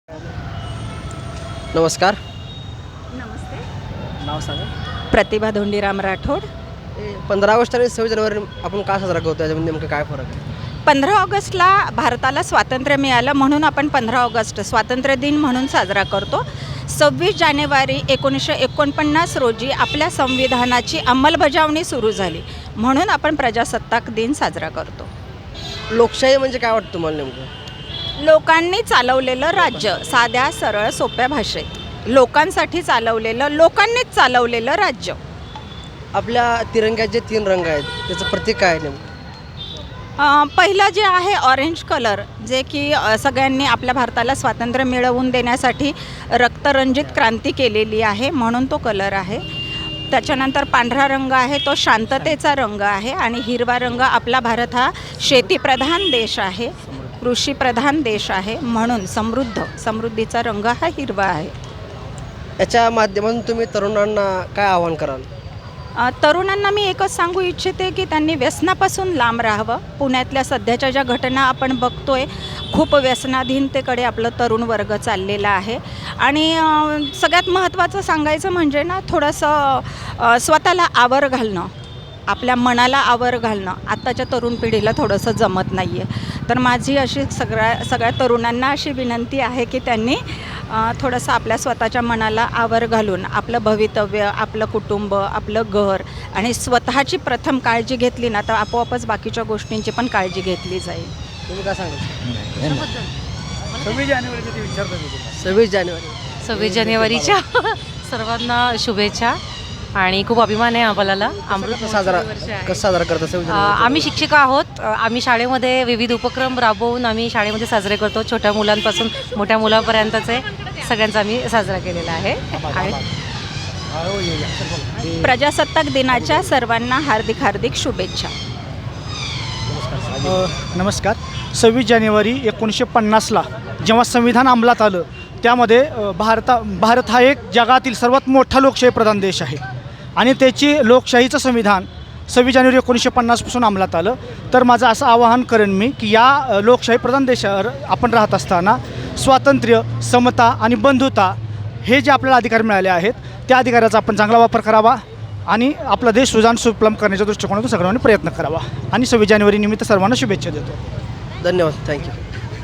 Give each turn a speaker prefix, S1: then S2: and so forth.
S1: नमस्कार.
S2: नमस्ते.
S1: नाव सांगा.
S2: प्रतिभा धोंडीराम राठोड.
S1: 15 ऑगस्ट आणि 26 जानेवारी आपण का साजरा करतो, याच्यामध्ये नेमकं काय फरक आहे?
S2: 15 ऑगस्टला भारताला स्वातंत्र्य मिळालं म्हणून आपण 15 ऑगस्ट स्वातंत्र्य दिन म्हणून साजरा करतो. 26 जानेवारी 1949 रोजी आपल्या संविधानाची अंमलबजावणी सुरू झाली म्हणून आपण प्रजासत्ताक दिन साजरा करतो.
S1: लोकशाही म्हणजे काय वाटतं तुम्हाला नेमकं?
S2: लोकांनी चालवलेलं राज्य, साध्या सरळ सोप्या भाषेत लोकांसाठी चालवलेलं, लोकांनीच चालवलेलं राज्य.
S1: आपल्या तिरंग्याचे 3 रंग आहेत, त्याचं प्रतीक काय आहे नेमकं?
S2: पहिलं जे आहे ऑरेंज कलर, जे की सगळ्यांनी आपल्या भारताला स्वातंत्र्य मिळवून देण्यासाठी रक्तरंजित क्रांती केलेली आहे म्हणून तो कलर आहे. त्याच्यानंतर पांढरा रंग आहे, तो शांततेचा रंग आहे. आणि हिरवा रंग, आपला भारत हा शेतीप्रधान देश आहे, कृषीप्रधान देश आहे म्हणून समृद्धीचा रंग हा हिरवा आहे.
S1: याच्या माध्यमातून तुम्ही तरुणांना काय आवाहन कराल?
S2: तरुणांना मी एकच सांगू इच्छिते की त्यांनी व्यसनापासून लांब राहावं. पुण्यातल्या सध्याच्या ज्या घटना आपण बघतोय, खूप व्यसनाधीनतेकडे आपलं तरुण वर्ग चाललेला आहे. आणि सगळ्यात महत्त्वाचं सांगायचं म्हणजे ना, थोडंसं स्वतःला आवर घालणं, आपल्या मनाला आवर घालणं आत्ताच्या तरुण पिढीला थोडंसं जमत नाही आहे. तर माझी अशी सगळ्या तरुणांना अशी विनंती आहे की त्यांनी थोडंसं आपल्या स्वतःच्या मनाला आवर घालून आपलं भवितव्य, आपलं कुटुंब, आपलं घर आणि स्वतःची प्रथम काळजी घेतली ना, तर आपोआपच बाकीच्या गोष्टींची पण काळजी घेतली जाईल.
S1: तुम्ही काय सांगाल?
S3: 26 जानेवारीच्या सर्वांना शुभेच्छा आणि खूप अभिमान आहे आम्हाला.
S1: कसं साजरा करता 26 जानेवारी?
S3: आम्ही शिक्षिका आहोत. आम्ही शाळेमध्ये विविध उपक्रम राबवून आम्ही शाळेमध्ये साजरे करतो. छोट्या मुलांपासून मोठ्या मुलांपर्यंतचे सगळ्यांचा आम्ही साजरा केलेला आहे. आणि
S2: प्रजासत्ताक दिनाच्या सर्वांना हार्दिक हार्दिक शुभेच्छा.
S4: नमस्कार. 26 जानेवारी 1950ला जेव्हा संविधान अंमलात आलं, त्यामध्ये भारत हा एक जगातील सर्वात मोठा लोकशाही प्रधान देश आहे आणि त्याची लोकशाहीचं संविधान 26 जानेवारी 1950पासून अंमलात आलं. तर माझं असं आवाहन करेन मी की या लोकशाही प्रधान देशावर आपण राहत असताना स्वातंत्र्य, समता आणि बंधुता हे जे आपल्याला अधिकार मिळाले आहेत, त्या अधिकाराचा आपण चांगला वापर करावा आणि आपला देश सुजाण सुफलाम करण्याच्या दृष्टिकोनातून सर्वांनी प्रयत्न करावा. आणि 26 जानेवारी निमित्त सर्वांना शुभेच्छा देतो.
S1: धन्यवाद. थँक्यू.